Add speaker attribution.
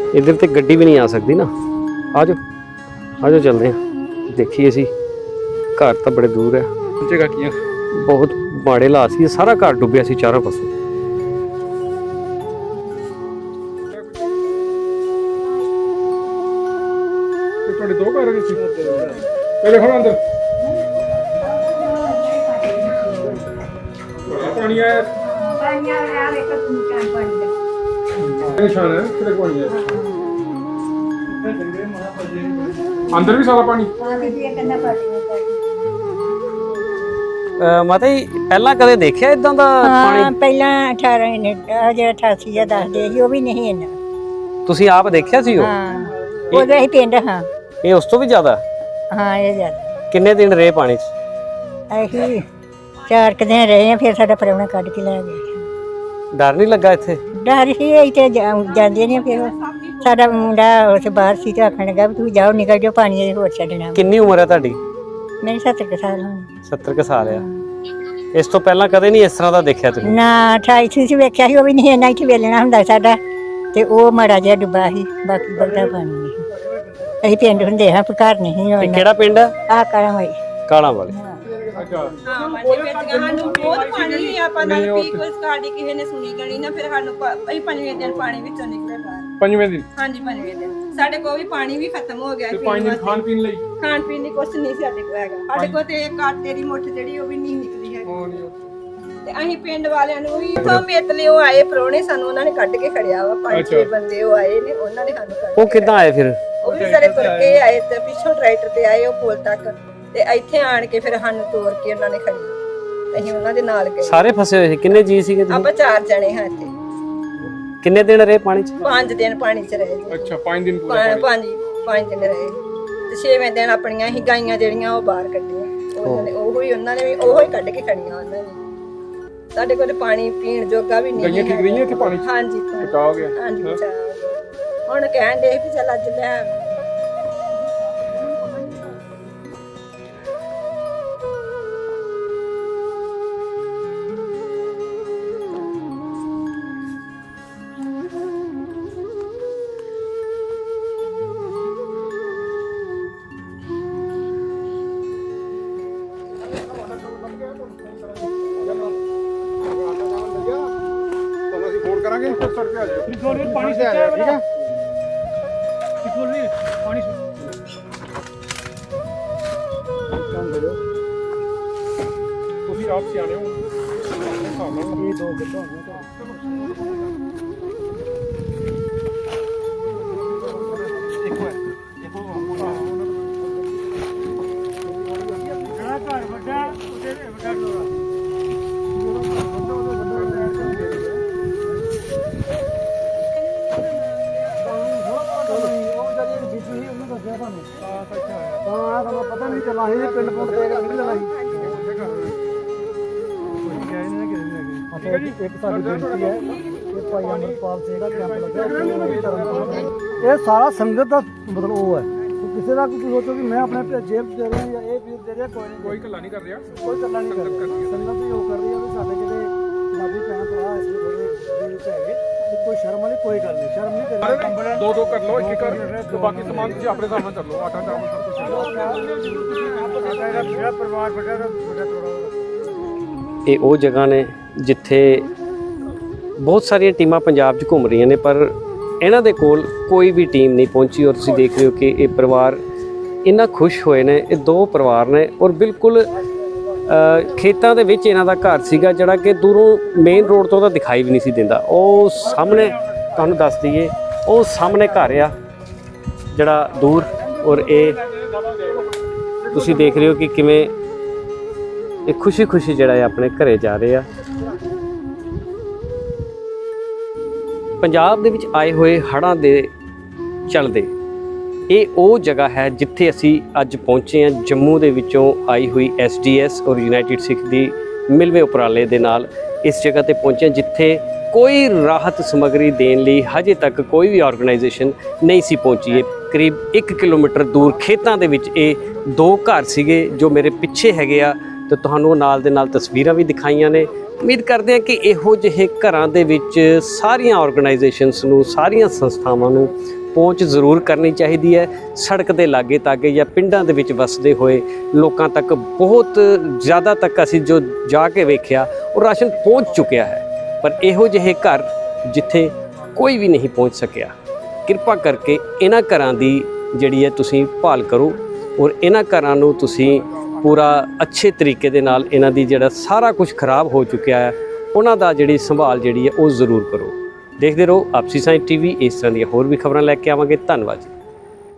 Speaker 1: इधर तो गड्डी भी नहीं आ सकती ना। आ जाओ चलते हैं। देखिए असी घर तो बड़े दूर है,
Speaker 2: जगह की
Speaker 1: बहुत माड़े हालात सी, सारा घर डुब्बिया सी चारों पासों।
Speaker 2: दो घर पहले खड़ो अंदर पानी आया निशान है किधर पानी है अंदर भी सारा पानी।
Speaker 1: माता जी पहला कदे देखिया इदां दा पानी?
Speaker 3: ਪਹਿਲਾਂ 18 ਨੇ ਜਿਹੜਾ 88 ਜਾਂ ਦੱਸਦੇ ਸੀ ਉਹ ਵੀ ਨਹੀਂ ਇੰਨਾ।
Speaker 1: ਤੁਸੀਂ ਆਪ ਦੇਖਿਆ ਸੀ ਉਹ?
Speaker 3: ਹਾਂ ਉਹਦਾ ਹੀ ਪਿੰਡ। ਹਾਂ
Speaker 1: ਇਹ ਉਸ ਤੋਂ ਵੀ ਜ਼ਿਆਦਾ?
Speaker 3: ਹਾਂ ਇਹ ਜ਼ਿਆਦਾ।
Speaker 1: ਕਿੰਨੇ ਦਿਨ ਰਹੇ ਪਾਣੀ 'ਚ?
Speaker 3: ਅਸੀਂ 4 ਦਿਨ ਰਹੇ ਆ, ਫਿਰ ਸਾਡਾ ਪ੍ਰਾਹੁਣਾ ਕੱਢ ਕੇ ਲੈ ਗਿਆ।
Speaker 1: ਡਰ ਨਹੀਂ ਲੱਗਾ ਇੱਥੇ?
Speaker 3: ਡਰ ਸੀ ਅਸੀਂ ਤੇ ਜਾਂਦੇ ਨਹੀਂ। ਫਿਰ ਸਾਡਾ ਮੁੰਡਾ ਉਸ ਬਾਹਰ ਸੀ ਤੇ ਆਖਣ ਲੱਗਾ ਵੀ ਤੁਸੀਂ ਜਾਓ ਨਿਕਲ ਜਾਓ, ਪਾਣੀ ਦੇ ਹੋਰ ਛੱਡਣਾ।
Speaker 1: ਕਿੰਨੀ ਉਮਰ ਹੈ ਤੁਹਾਡੀ?
Speaker 3: ਮੇਰੀ 70 ਕੁ ਸਾਲ ਹੋਣੀ।
Speaker 1: 70 ਕੁ ਸਾਲ ਆ। ਇਸ ਤੋਂ ਪਹਿਲਾਂ ਕਦੇ ਨਹੀਂ ਇਸ ਤਰ੍ਹਾਂ ਦਾ ਦੇਖਿਆ ਤੁਸੀਂ?
Speaker 3: ਨਾ 28 ਸੀ ਵੇਖਿਆ ਸੀ, ਉਹ ਵੀ ਨਹੀਂ ਇੰਨਾ ਇੱਥੇ ਵੇਲਣਾ ਹੁੰਦਾ ਸਾਡਾ, ਤੇ ਉਹ ਮਾੜਾ ਜਿਹਾ ਡੁੱਬਾ ਸੀ, ਬਾਕੀ ਬਹੁਤਾ ਪਾਣੀ ਨਹੀਂ। ਅਸੀਂ ਪਿੰਡ ਹੁੰਦੇ ਹਾਂ, ਪਰ ਘਰ ਨਹੀਂ।
Speaker 1: ਇਹ ਕਿਹੜਾ ਪਿੰਡ ਹੈ?
Speaker 3: ਆ ਕਾਲਾਂ ਵਾਲੀ।
Speaker 1: ਕਾਲਾਂ ਵਾਲੇ।
Speaker 4: ਸਾਨੂੰ ਬਹੁਤ ਪਾਣੀ ਹੀ ਆਪਾਂ ਨਾਲ ਪੀ ਕੋਈ ਸਕਾਡੀ ਕਿਸੇ ਨੇ ਸੁਣੀ ਗਣੀ ਨਾ, ਫਿਰ ਸਾਨੂੰ ਅਸੀਂ 5ਵੇਂ ਦਿਨ ਪਾਣੀ ਵਿੱਚੋਂ ਨਿਕਲੇ ਬਾਹਰ।
Speaker 2: 5ਵੇਂ ਦਿਨ?
Speaker 4: ਹਾਂਜੀ 5ਵੇਂ ਦਿਨ ਸਾਡੇ ਕੋਲ ਵੀ ਪਾਣੀ ਵੀ ਖਤਮ ਹੋ ਗਿਆ।
Speaker 2: ਤੇ 5 ਦਿਨ ਖਾਣ ਪੀਣ ਲਈ?
Speaker 4: ਖਾਣ ਪੀਣ ਲਈ ਕੁਛ ਨਹੀਂ ਸਾਡੇ ਕੋਲ ਹੈਗਾ। ਸਾਡੇ ਕੋਲ ਤੇ ਇੱਕ ਆਟੇ ਦੀ ਮੁੱਠ ਜਿਹੜੀ ਉਹ ਵੀ ਨਹੀਂ ਨਿਕਲੀ ਹੈਗੀ। ਤੇ ਅਸੀਂ ਪਿੰਡ ਵਾਲਿਆਂ ਨੂੰ ਵੀ ਇਥੋਂ ਮੇਤਲੇ ਉਹ ਆਏ ਪ੍ਰਾਹੁਣੇ, ਸਾਨੂੰ ਉਹਨਾਂ ਨੇ ਕੱਢ ਕੇ ਖੜਿਆ ਵਾ। 5-6 ਬੰਦੇ ਉਹ ਆਏ ਨੇ, ਉਹਨਾਂ ਨੇ ਸਾਨੂੰ ਕੱਢ।
Speaker 1: ਉਹ ਕਿੱਦਾਂ ਆਏ ਫਿਰ?
Speaker 4: ਉਹ ਵੀ ਸਾਰੇ ਤੁਰ ਕੇ ਆਏ ਤੇ ਪਿੱਛੋਂ ਟਰੈਕਟਰ ਤੇ ਆਏ ਉਹ ਪੁਲ ਤੱਕ, ਤੇ ਇੱਥੇ ਆਣ ਕੇ ਫਿਰ ਸਾਨੂੰ ਤੋੜ ਕੇ ਉਹਨਾਂ ਨੇ ਖੜੀ। ਅਸੀਂ ਉਹਨਾਂ ਦੇ ਨਾਲ ਗਏ।
Speaker 1: ਸਾਰੇ ਫਸੇ ਹੋਏ ਸੀ? ਕਿੰਨੇ ਜੀ ਸੀਗੇ ਤੁਸੀਂ?
Speaker 4: ਆਪਾਂ 4 ਜਣੇ ਹਾਂ ਇੱਥੇ।
Speaker 1: ਕਿੰਨੇ ਦਿਨ ਰਹੇ ਪਾਣੀ 'ਚ?
Speaker 4: 5 ਦਿਨ ਪਾਣੀ 'ਚ ਰਹੇ ਜੀ।
Speaker 2: ਅੱਛਾ 5 ਦਿਨ ਪੂਰਾ?
Speaker 4: 5 ਦਿਨ ਰਹੇ ਤੇ 6ਵੇਂ ਦਿਨ ਆਪਣੀਆਂ ਹੀ ਗਾਈਆਂ ਜਿਹੜੀਆਂ ਉਹ ਬਾਹਰ ਕੱਢੀਆਂ। ਉਹਨਾਂ ਨੇ ਵੀ ਉਹੋ ਹੀ ਕੱਢ ਕੇ ਖੜੀਆਂ ਉਹਨਾਂ ਨੇ। ਸਾਡੇ ਕੋਲ ਪਾਣੀ ਪੀਣ ਜੋਗਾ ਵੀ ਨਹੀਂ।
Speaker 2: ਗਾਈਆਂ ਠੀਕ ਰਹੀਆਂ ਇੱਥੇ ਪਾਣੀ 'ਚ?
Speaker 4: ਹਾਂਜੀ
Speaker 2: ਬਚਾ ਹੋ ਗਿਆ।
Speaker 4: ਹਾਂਜੀ ਬਚਾ ਹੋ ਗਿਆ। ਹੁਣ ਕਹਿਣ ਦੇ ਵੀ ਚੱਲ ਅੱਜ ਲੈ
Speaker 2: फोन करांगे फिर सर पे आ जाओ।
Speaker 5: पानी से आया ठीक है। पानी
Speaker 2: ਤੁਸੀਂ ਆਪ ਸਿਆਣੇ ਹੋ ਹਿਸਾਬ ਨਾਲ
Speaker 5: ये 2 घंटे हो गए। पता नहीं चला ही पिंड पुंड ते नहीं चला ही। एक साडी बेनती है कि भाई अमरपाल सिंह का कैंप लगा, ये सारा संगत का मतलब वो है। तो किसी का कुछ सोचो कि मैं अपने जेब दे रहा या ये पीर दे रहा, कोई नहीं,
Speaker 2: ਕੋਈ ਗੱਲਾਂ ਨਹੀਂ ਕਰ ਰਿਹਾ।
Speaker 5: कोई गल्ला नहीं कर रहा। संगत ही वो कर रही है कि साडे जेडे पंजाबी भैन भरा इसलिए थोड़े दिल च है कि कोई शर्म वाली कोई गल नहीं, शर्म नहीं करनी।
Speaker 2: 2-2 कर लो, एक कर तो बाकी सामान ਤੁਸੀਂ ਆਪਣੇ ਹਿਸਾਬ ਨਾਲ ਕਰ ਲਓ। ਆਟਾ ਚਾਵਲ ਸਭ ਕੁਝ
Speaker 5: परिवार बड़ा थोड़ा
Speaker 1: ਇਹ ਉਹ ਜਗ੍ਹਾ ਨੇ ਜਿੱਥੇ ਬਹੁਤ ਸਾਰੀਆਂ ਟੀਮਾਂ ਪੰਜਾਬ 'ਚ ਘੁੰਮ ਰਹੀਆਂ ਨੇ, ਪਰ ਇਹਨਾਂ ਦੇ ਕੋਲ ਕੋਈ ਵੀ ਟੀਮ ਨਹੀਂ ਪਹੁੰਚੀ। ਔਰ ਤੁਸੀਂ ਦੇਖ ਰਹੇ ਹੋ ਕਿ ਇਹ ਪਰਿਵਾਰ ਇੰਨਾ ਖੁਸ਼ ਹੋਏ ਨੇ। ਇਹ 2 ਪਰਿਵਾਰ ਨੇ ਔਰ ਬਿਲਕੁਲ ਖੇਤਾਂ ਦੇ ਵਿੱਚ ਇਹਨਾਂ ਦਾ ਘਰ ਸੀਗਾ, ਜਿਹੜਾ ਕਿ ਦੂਰੋਂ ਮੇਨ ਰੋਡ ਤੋਂ ਤਾਂ ਦਿਖਾਈ ਵੀ ਨਹੀਂ ਸੀ ਦਿੰਦਾ। ਉਹ ਸਾਹਮਣੇ ਤੁਹਾਨੂੰ ਦੱਸ ਦਈਏ, ਉਹ ਸਾਹਮਣੇ ਘਰ ਆ ਜਿਹੜਾ ਦੂਰ। ਔਰ ਇਹ ਤੁਸੀਂ ਦੇਖ ਰਹੇ ਹੋ ਕਿ ਕਿਵੇਂ ਇਹ ਖੁਸ਼ੀ ਜਿਹੜਾ ਹੈ ਆਪਣੇ ਘਰੇ ਜਾ ਰਹੇ ਆ। ਪੰਜਾਬ ਦੇ ਵਿੱਚ ਆਏ ਹੋਏ ਹੜ੍ਹਾਂ ਦੇ ਚੱਲਦੇ ਇਹ ਉਹ ਜਗ੍ਹਾ ਹੈ ਜਿੱਥੇ ਅਸੀਂ ਅੱਜ ਪਹੁੰਚੇ ਹਾਂ। ਜੰਮੂ ਦੇ ਵਿੱਚੋਂ ਆਈ ਹੋਈ SDS ਔਰ ਯੂਨਾਈਟਿਡ ਸਿੱਖ ਦੀ ਮਿਲਵੇਂ ਉਪਰਾਲੇ ਦੇ ਨਾਲ ਇਸ ਜਗ੍ਹਾ ਤੇ ਪਹੁੰਚੇ, ਜਿੱਥੇ ਕੋਈ ਰਾਹਤ ਸਮੱਗਰੀ ਦੇਣ ਲਈ ਹਜੇ ਤੱਕ ਕੋਈ ਵੀ ਆਰਗੇਨਾਈਜੇਸ਼ਨ ਨਹੀਂ ਸੀ ਪਹੁੰਚੀ। ਕਰੀਬ 1 ਕਿਲੋਮੀਟਰ ਦੂਰ ਖੇਤਾਂ ਦੇ ਵਿੱਚ ਇਹ 2 ਘਰ ਸੀਗੇ ਜੋ ਮੇਰੇ ਪਿੱਛੇ ਹੈਗੇ ਆ, ਤੇ ਤੁਹਾਨੂੰ ਨਾਲ ਦੇ ਨਾਲ ਤਸਵੀਰਾਂ ਵੀ ਦਿਖਾਈਆਂ ਨੇ। ਉਮੀਦ ਕਰਦੇ ਹਾਂ ਕਿ ਇਹੋ ਜਿਹੇ ਘਰਾਂ ਦੇ ਵਿੱਚ ਸਾਰੀਆਂ ਆਰਗੇਨਾਈਜੇਸ਼ਨਸ ਨੂੰ, ਸਾਰੀਆਂ ਸੰਸਥਾਵਾਂ ਨੂੰ ਪਹੁੰਚ ਜ਼ਰੂਰ ਕਰਨੀ ਚਾਹੀਦੀ ਹੈ। ਸੜਕ ਦੇ ਲਾਗੇ ਤਾਗੇ ਜਾਂ ਪਿੰਡਾਂ ਦੇ ਵਿੱਚ ਵਸਦੇ ਹੋਏ ਲੋਕਾਂ ਤੱਕ ਬਹੁਤ ਜ਼ਿਆਦਾ ਤੱਕ ਅਸੀਂ ਜੋ ਜਾ ਕੇ ਵੇਖਿਆ ਉਹ ਰਾਸ਼ਨ ਪਹੁੰਚ ਚੁੱਕਿਆ ਹੈ। ਪਰ ਇਹੋ ਜਿਹੇ ਘਰ ਜਿੱਥੇ ਕੋਈ ਵੀ ਨਹੀਂ ਪਹੁੰਚ ਸਕਿਆ, ਕਿਰਪਾ ਕਰਕੇ ਇਹਨਾਂ ਘਰਾਂ ਦੀ ਜਿਹੜੀ ਹੈ ਤੁਸੀਂ ਭਾਲ ਕਰੋ ਔਰ ਇਹਨਾਂ ਘਰਾਂ ਨੂੰ ਤੁਸੀਂ ਪੂਰਾ ਅੱਛੇ ਤਰੀਕੇ ਦੇ ਨਾਲ, ਇਹਨਾਂ ਦੀ ਜਿਹੜਾ ਸਾਰਾ ਕੁਝ ਖਰਾਬ ਹੋ ਚੁੱਕਿਆ ਹੈ ਉਹਨਾਂ ਦਾ ਜਿਹੜੀ ਸੰਭਾਲ ਜਿਹੜੀ ਹੈ ਉਹ ਜ਼ਰੂਰ ਕਰੋ। ਦੇਖਦੇ ਰਹੋ ਆਪਸੀ ਸਾਇੰਸ TV। ਇਸ ਤਰ੍ਹਾਂ ਦੀਆਂ ਹੋਰ ਵੀ ਖਬਰਾਂ ਲੈ ਕੇ ਆਵਾਂਗੇ। ਧੰਨਵਾਦ ਜੀ।